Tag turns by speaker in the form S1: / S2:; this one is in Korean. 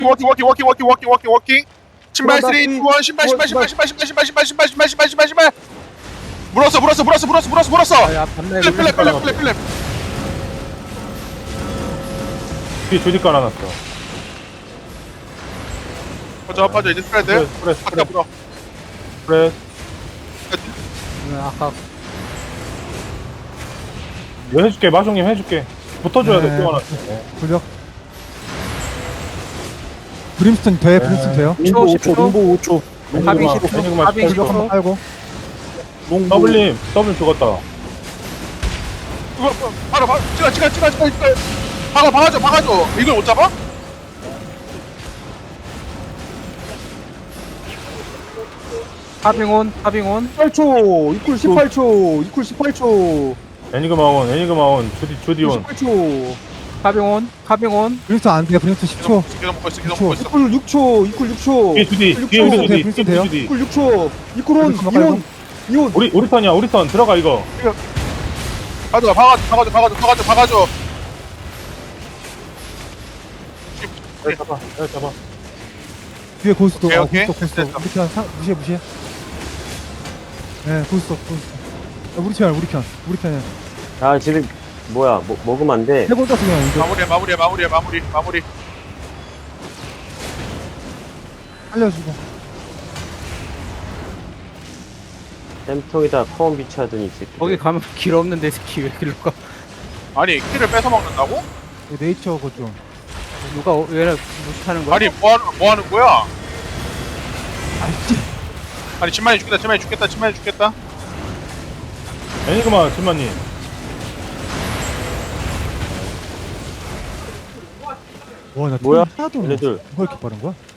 S1: 워킹. 신발 3, 2, 1. 신발. 물었어.
S2: 야 반대
S1: 플랩.
S3: 뒤에 조디 깔아놨어.
S1: 빠져 이제 스프레드. 아까 물어.
S3: 그래.
S2: 아까
S3: 이거 해줄게. 마종님 해줄게. 붙어줘야 돼.
S4: 네.
S3: 뛰어나.
S4: 굴력. 브림스톤 돼, 브림스톤 돼요.
S2: 링보 5초 링보 5초 합의 10초
S3: 애니그마
S2: 합의
S4: 굴력 한번
S2: 10초
S4: 깔고.
S3: 더블님. 더블 죽었다.
S1: 찍어. 박아줘. 이걸 못 잡아?
S2: 하빙온
S5: 18초 이쿨 18초 이쿨 18초
S3: 애니그마 온. 조디 온.
S5: 18초
S2: 하빙온
S4: 브림스톤 안 돼요, 브림스톤 10초.
S1: 계속 먹고 있어.
S5: 이쿨 6초 이쿨 6초
S3: 뒤에 조디.
S5: 이쿨
S3: 뒤에
S5: 6초
S3: 조디.
S4: 브림스톤 돼요?
S3: 조디.
S5: 이쿨 6초 이쿨 온
S4: 이쿨
S5: 이온 이온
S3: 우리 턴이야. 우리 턴. 들어가 이거.
S1: 박아줘.
S3: 잡아.
S4: 뒤에 고스톱.
S1: 오케이.
S4: 고스톱.
S1: 됐어.
S4: 무시해. 네, 고스톱. 우리 편이야.
S6: 아 지금 뭐야 먹으면 안 돼.
S4: 해본 떴어, 그냥 이거.
S1: 마무리.
S4: 살려주고.
S6: 쌤통에다 커온 비치하더니 이 새끼.
S2: 거기 가면 길 없는데 스키 왜 길로 가
S1: 아니 키를 뺏어 먹는다고?
S4: 이거 네이처 거 좀.
S2: 누가 왜 무시하는 거야?
S1: 아니 뭐 하는 거야?
S4: 알지?
S1: 아니 진만이 죽겠다.
S3: 애니그마 진만님.
S4: 와, 나
S6: 뭐야?
S4: 하나도
S6: 얘네들.
S4: 뭐가 이렇게 빠른 거야?